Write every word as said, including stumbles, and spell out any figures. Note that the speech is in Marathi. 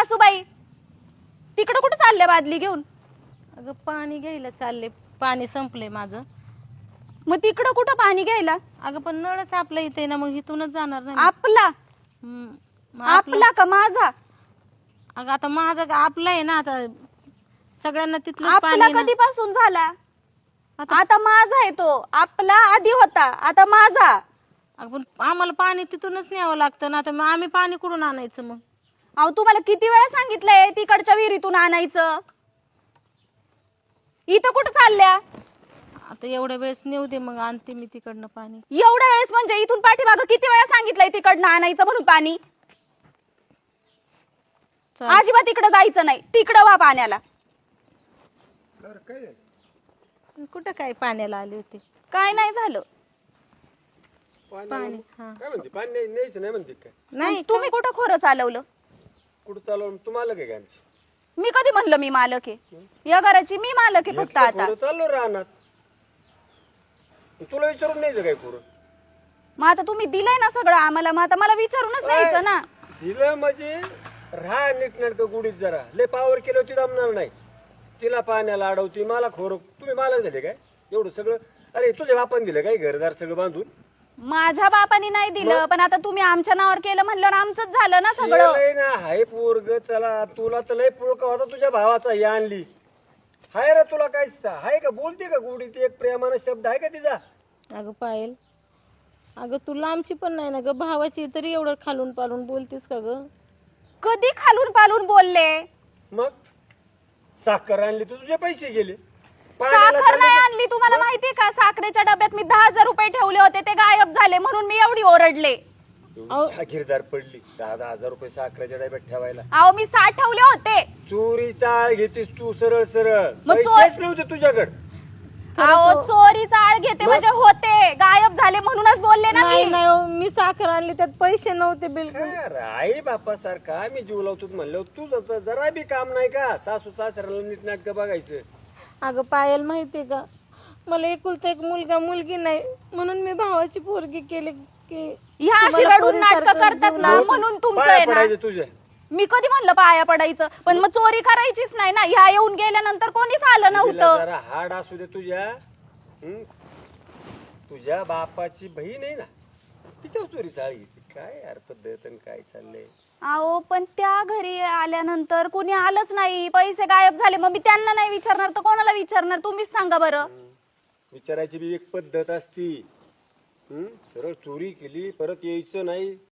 सासूबाई तिकडे कुठे चालले बादली घेऊन? अगं पाणी घ्यायला चालले, पाणी संपले माझं. मग तिकडं कुठं पाणी घ्यायला? अगं पण नळच आपल्या इथे ना, मग इथूनच जाणार नाही. आपला हम्म, मग आपलं- आपला का माझा? अगं आता माझं का आपलं आहे ना, आता सगळ्यांना तिथलं आपला पाणी ना. कधीपासून झाला? आता- आता माझा आहे तो. आपला आधी होता, आता माझा. अगं पण आम्हाला पाणी तिथूनच न्यावं लागतं ना, आता मग आम्ही पाणी कुठून आणायचं मग? अहो तुम्हाला किती वेळा सांगितलंय तिकडच्या विहिरीतून आणायचं. इथं कुठं चालल्या? आता एवढ्या वेळेस नेऊ दे, मग आणते मी तिकडनं पाणी. एवढ्या वेळेस म्हणजे इथून पाठीमागं किती वेळा सांगितलंय तिकडनं आणायचं म्हणून पाणी? चाल. अजिबात तिकडं जायचं नाही, तिकडं वा पाण्याला. कुठं काय पाण्याला आले होते? काय नाही झालं. पाणी हा काय म्हणते पाणी नाही न्यायचं नाही म्हणते काय? नाही तुम्ही कुठं खोरं चालवलं? कुठं चालवलं तुम्हाला काय आमची? मी कधी म्हणलं मी मालक आहे? या घराची मी मालक आहे फक्त आता. कुठं चाललो राहणार? तुला विचारून न्यायचं काय कुठं? मग आता तुम्ही दिलंय ना सगळं आम्हाला, मग आता मला विचारूनच द्यायचं ना. तिला म्हणजे राहा नीटनाटकं गुढीत जरा लय पावर केलं होती जमणार नाही. तिला पाण्याला अडवती मला खोर. तुम्ही मालक झाले काय एवढं सगळं? अरे तुझ्या बापान दिलं काय घरदार सगळं बांधून? माझ्या बापानी नाही दिलं, पण आता तुम्ही आमच्या नावावर केलं म्हणल्यावर आमचंच झालं ना सगळं. लय ना हाय पोरग. चला तुला तर लय पुळका होता तुझ्या भावाचा ही आणली. हाय रे तुला काय हाय का? बोलते का गुढीत एक प्रेमानं शब्द आहे का तिचा? अगं पायल, अगं तू लांबची पण नाही ना ग भावाची, तरी एवढं खालून पालून बोलतीस का ग? कधी खालून पालून बोलले? मग साखर आणली तर तुझे पैसे गेले. पाण्याला साखर चालले नाही तर- आणली. तुम्हाला माहितीये का, साखरेच्या डब्यात मी दहा हजार रुपये ठेवले होते, ते गायब झाले म्हणून मी एवढी ओरडले. जागीरदार पडली. दहा दहा हजार रुपये साखरेच्या डब्यात ठेवायला. अहो मी साठ ठेवले होते. चोरी चाळ घेतीस तू सरळ सरळ. मग चोर- पैसेच नव्हते तुझ्याकडे. अहो चोरीचा आळ घेते म्हणजे होते, गायब झाले म्हणूनच बोलले ना नाही मी. नाही हो, मी साखर आणली त्यात पैसे नव्हते बिलकुल. काय आई बापा सारखा मी जीव लावतो म्हणलं तू जरा बी काम नाही का? सासू सासऱ्याला नीट नाटक बघायचं. अगं पायल माहितीये का, मला एकुलता एक मुलगा मुलगी नाही, म्हणून मी भावाची पोरगी केली की ह्या अशी तुम्हाला रडून नाटक पोरीसारखं करतात जीव ना लावून- म्हणून तुमचं पाया आहे ना. पडायचं तुझ्या. मी कधी म्हणलं पाया पडायचं? पण मग चोरी करायचीच नाही ना. ह्या येऊन गेल्यानंतर कोणीच आलं तिला नव्हतं. जरा हाड असू दे तुझ्या. हं? तुझ्या बापाची बहीण आहे ना, तिच्या चोरी चाळ घेते. काय यार पद्धत आणि काय चाललंय? अहो पण त्या घरी आल्यानंतर कोणी आलंच नाही, पैसे गायब झाले. मग मी त्यांना नाही विचारणार तर कोणाला विचारणार? तुम्हीच सांगा बरं. विचारायची बी एक पद्धत असती. हं? सरळ चोरी केली परत यायचं नाही.